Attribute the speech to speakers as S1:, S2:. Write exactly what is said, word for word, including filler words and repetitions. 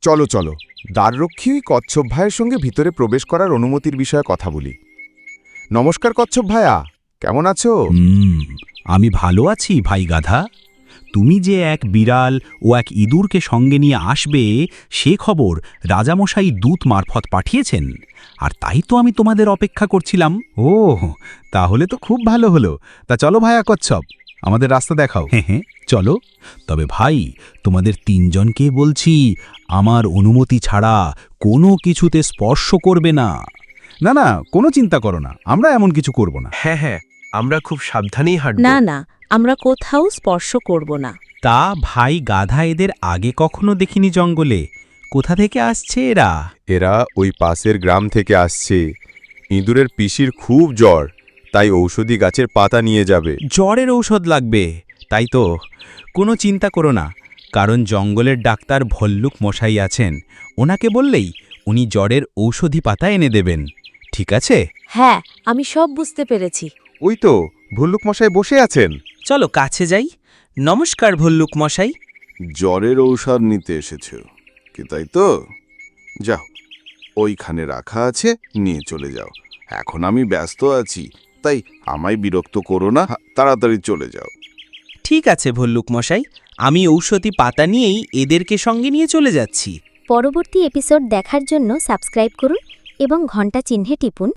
S1: চলো চলো দ্বাররক্ষী ওই কচ্ছপ ভাইয়ের সঙ্গে ভিতরে প্রবেশ করার অনুমতির বিষয়ে কথা বলি। নমস্কার কচ্ছপ ভাইয়া, কেমন আছো?
S2: হুম আমি ভালো আছি ভাই গাধা। তুমি যে এক বিড়াল ও এক ইঁদুরকে সঙ্গে নিয়ে আসবে সে খবর রাজামশাই দূত মারফত পাঠিয়েছেন, আর তাই তো আমি তোমাদের অপেক্ষা করছিলাম। ও তাহলে তো খুব ভালো হলো। তা চলো ভাইয়া কচ্ছপ, আমাদের রাস্তা দেখাও। হ্যাঁ হ্যাঁ চলো। তবে ভাই তোমাদের তিনজনকে বলছি, আমার অনুমতি ছাড়া কোনো কিছুতে স্পর্শ করবে না। না না কোনো চিন্তা করো না, আমরা এমন কিছু করব না।
S3: হ্যাঁ হ্যাঁ আমরা খুব সাবধানেই হাঁটব।
S4: না না, আমরা কোথাও স্পর্শ করব না।
S2: তা ভাই গাধা, এদের আগে কখনো দেখিনি জঙ্গলে। কোথা থেকে আসছে এরা?
S1: এরা ওই পাশের গ্রাম থেকে আসছে। ইঁদুরের পিসির খুব জ্বর, তাই ঔষধি গাছের পাতা নিয়ে যাবে।
S2: জ্বরের ঔষধ লাগবে, তাই তো। কোনো চিন্তা করো না, কারণ জঙ্গলের ডাক্তার ভল্লুক মশাই আছেন। ওনাকে বললেই উনি জ্বরের ঔষধি পাতা এনে দেবেন। ঠিক আছে?
S4: হ্যাঁ, আমি সব বুঝতে পেরেছি।
S1: ওই তো ভল্লুক মশাই বসে আছেন।
S5: চলো কাছে যাই। নমস্কার ভল্লুক মশাই।
S6: জ্বরের ঔষধ নিতে এসেছো কি, তাই তো? যাও, ওইখানে রাখা আছে, নিয়ে চলে যাও। এখন আমি ব্যস্ত আছি, তাই আমায় বিরক্ত করো না, তাড়াতাড়ি চলে যাও।
S5: ঠিক আছে ভল্লুক মশাই, আমি ঔষধি পাতা নিয়েই এদেরকে সঙ্গে নিয়ে চলে যাচ্ছি।
S7: পরবর্তী এপিসোড দেখার জন্য সাবস্ক্রাইব করুন এবং ঘন্টা চিহ্নে টিপুন।